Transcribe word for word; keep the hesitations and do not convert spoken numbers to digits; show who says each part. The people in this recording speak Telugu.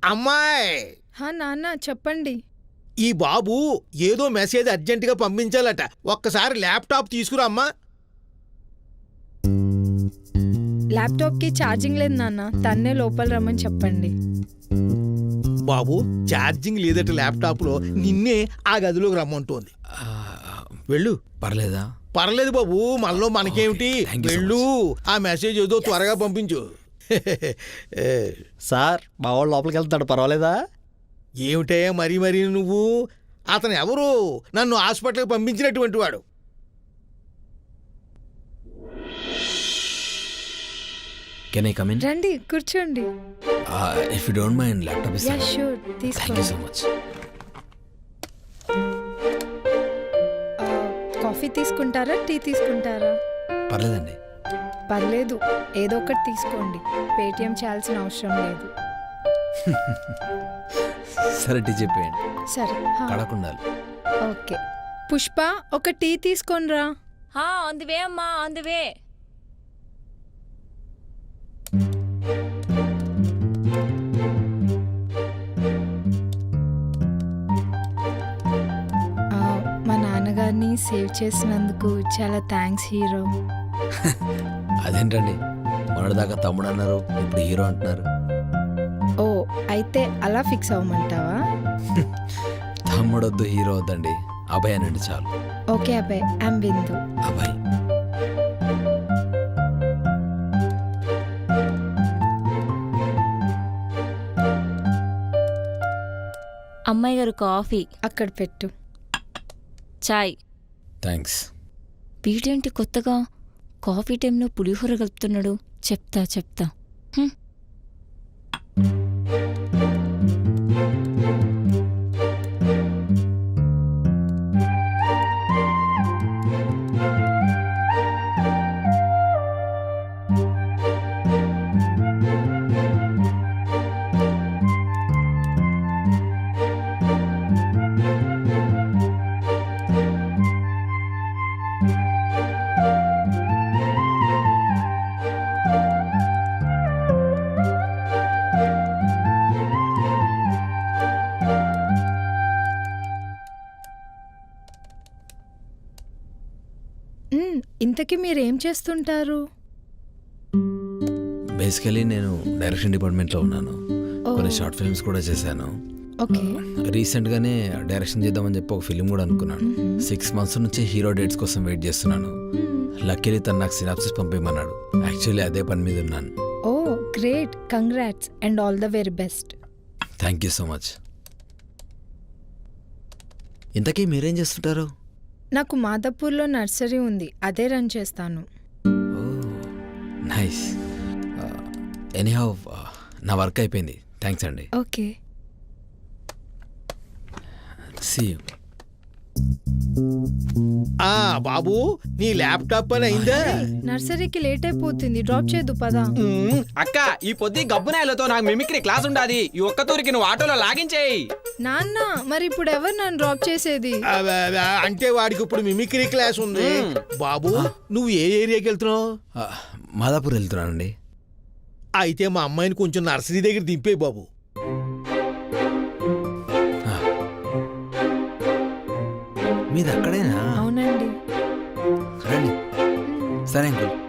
Speaker 1: అమ్మాయి
Speaker 2: హా నాన్న చెప్పండి.
Speaker 1: ఈ బాబు ఏదో మెసేజ్ అర్జెంటుగా పంపించాలట, ఒక్కసారి ల్యాప్టాప్ తీసుకురా అమ్మా.
Speaker 2: ల్యాప్టాప్కి ఛార్జింగ్ లేదు నాన్న, తన్నే లోపల రమ్మని చెప్పండి.
Speaker 1: బాబు ఛార్జింగ్ లేదట ల్యాప్టాప్లో, నిన్నే ఆ గదిలోకి రమ్మంటోంది. వెళ్ళు.
Speaker 3: పర్లేదా?
Speaker 1: పర్లేదు బాబు, మనలో మనకేమిటి, వెళ్ళు. ఆ మెసేజ్ ఏదో త్వరగా పంపించు.
Speaker 4: సార్ మా వాడు లోపలికి వెళ్తాడు, పర్వాలేదా?
Speaker 1: ఏమిటే మరీ మరీ నువ్వు, అతను ఎవరు? నన్ను హాస్పిటల్కి పంపించినటువంటి వాడు.
Speaker 3: Can I come in?
Speaker 2: రండి కూర్చోండి.
Speaker 3: If you don't mind laptop is.
Speaker 2: Ya sure,
Speaker 3: thank you so much.
Speaker 2: Coffee తీసుకుంటారా, టీ తీసుకుంటారా?
Speaker 3: పర్లేదండి.
Speaker 2: పర్లేదు, ఏదో ఒకటి తీసుకోండి, పేటిఎం చేయాల్సిన అవసరం లేదు.
Speaker 3: సరే టీ చెప్పేయండి.
Speaker 2: సరే
Speaker 3: కడకుండాలి.
Speaker 2: ఓకే. పుష్ప ఒక టీ తీసుకోనరా.
Speaker 5: ఆన్ ది వే అమ్మా, ఆన్ ది వే.
Speaker 2: మా నాన్నగారిని సేవ్ చేసినందుకు చాలా థ్యాంక్స్ హీరో.
Speaker 3: అదేంటండి, మొన్నటిదాకా తమ్ముడు అన్నారు, ఇప్పుడు హీరో అంటున్నారు.
Speaker 2: ఓ అయితే అలా ఫిక్స్ అవ్వమంటావా?
Speaker 3: తమ్ముడు వద్దు, హీరో వద్దండి, అభయ్ అనండి చాలు.
Speaker 2: Okay Abhay, I'm Bindu.
Speaker 3: అభయ్.
Speaker 5: అమ్మాయి గారు కాఫీ
Speaker 2: అక్కడ పెట్టు.
Speaker 5: చాయ్.
Speaker 3: థ్యాంక్స్.
Speaker 5: వీడేంటి కొత్తగా కాఫీ టైంలో పులిహోర కలుపుతున్నాడు? చెప్తా చెప్తా.
Speaker 2: ఇంతకీ మీరేం చేస్తుంటారు?
Speaker 3: బేసికలీ నేను డైరెక్షన్ డిపార్ట్మెంట్లో ఉన్నాను. కొన్ని షార్ట్ ఫిల్మ్స్ కూడా చేశాను.
Speaker 2: ఓకే.
Speaker 3: రీసెంట్గానే డైరెక్షన్ చేద్దామని చెప్పి ఒక ఫిల్మ్ కూడా అనుకున్నాను. సిక్స్ మంత్స్ నుంచి హీరో డేట్స్ కోసం వెయిట్ చేస్తున్నాను. లక్కీలీ తను నాకు సినాప్సిస్ పంపేయమన్నాడు. యాక్చువల్లీ అదే పని మీద ఉన్నాను.
Speaker 2: Oh great, congrats and all the very best.
Speaker 3: Thank you so much. ఇంతకీ మీరేం చేస్తుంటారు?
Speaker 2: నాకు మాదాపూర్లో నర్సరీ ఉంది, అదే రన్ చేస్తాను.
Speaker 3: నైస్. ఎనీహౌ నా వర్క్ అయిపోయింది. థ్యాంక్స్ అండి.
Speaker 2: ఓకే.
Speaker 3: See you.
Speaker 1: ఆ బాబు, నీ ల్యాప్టాప్ పని అయిందా?
Speaker 2: నర్సరీకి లేట్ అయిపోతుంది, డ్రాప్ చేయదు పదా.
Speaker 4: అక్క, ఈ పొద్దు గబ్బునాయలతో నాకు మిమిక్రీ క్లాస్ ఉండాది. ఈ ఒక్క తూరికి నువ్వు ఆటోలో లాగించేయి.
Speaker 2: నాన్న మరి ఇప్పుడు ఎవరు నన్ను డ్రాప్ చేసేది?
Speaker 1: అంటే వాడికి ఇప్పుడు మిమిక్రీ క్లాస్ ఉంది. బాబు నువ్వు ఏ ఏరియాకి వెళ్తున్నావు?
Speaker 3: మాదాపూర్ వెళ్తున్నానండి.
Speaker 1: అయితే మా అమ్మాయిని కొంచెం నర్సరీ దగ్గర దింపే బాబు.
Speaker 3: మీది అక్కడేనా?
Speaker 2: అవునండి.
Speaker 3: రండి. సరే అంకుల్.